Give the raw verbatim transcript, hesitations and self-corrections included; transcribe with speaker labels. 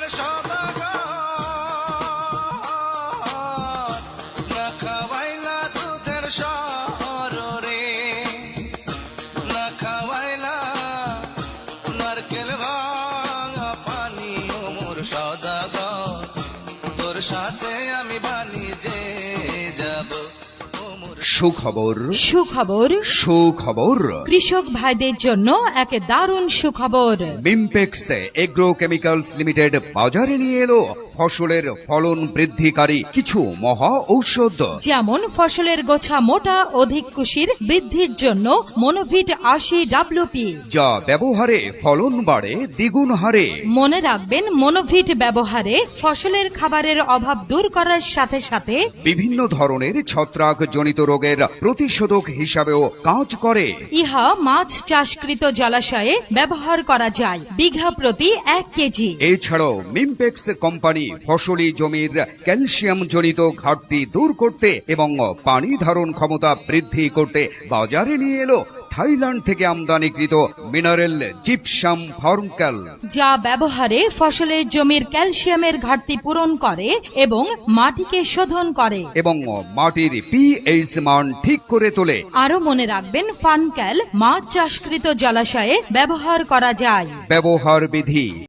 Speaker 1: সুখবর
Speaker 2: সুখবর
Speaker 1: সুখবর
Speaker 2: কৃষক ভাইদের জন্য এক দারুণ সুখবর।
Speaker 1: মিমপেক্স এগ্রো কেমিক্যালস লিমিটেড বাজারে নিয়ে এলো ফসলের ফলন বৃদ্ধিকারী কিছু মহা ঔষধ,
Speaker 2: যেমন ফসলের গোছা মোটা অধিক কুশির বৃদ্ধির জন্য মনোভিট আশি ডাব্লিউপি,
Speaker 1: যা ব্যবহারে ফলন বাড়ে দ্বিগুণ হারে।
Speaker 2: মনে রাখবেন, মনোভিট ব্যবহারে ফসলের খাবারের অভাব দূর করার সাথে সাথে
Speaker 1: বিভিন্ন ধরনের ছত্রাক জনিত রোগের প্রতিষেধক হিসাবেও কাজ করে।
Speaker 2: ইহা মাছ চাষকৃত জলাশয়ে ব্যবহার করা যায় বিঘা প্রতি এক কেজি।
Speaker 1: এছাড়াও মিমপেক্স কোম্পানি ফসলি জমির ক্যালসিয়াম জনিত ঘাটতি দূর করতে এবং পানি ধারণ ক্ষমতা বৃদ্ধি করতে বাজারে নিয়ে এলো থাইল্যান্ড থেকে আমদানিকৃত মিনারেল জিপসাম ফর্মক্যাল,
Speaker 2: যা ব্যবহারে ফসলের জমির ক্যালসিয়ামের ঘাটতি পূরণ করে এবং মাটিকে শোধন করে
Speaker 1: এবং মাটির পিএইচ মান ঠিক করে তোলে।
Speaker 2: আরো মনে রাখবেন, ফানক্যাল মাছ চাষকৃত জলাশয়ে ব্যবহার করা যায়।
Speaker 1: ব্যবহার বিধি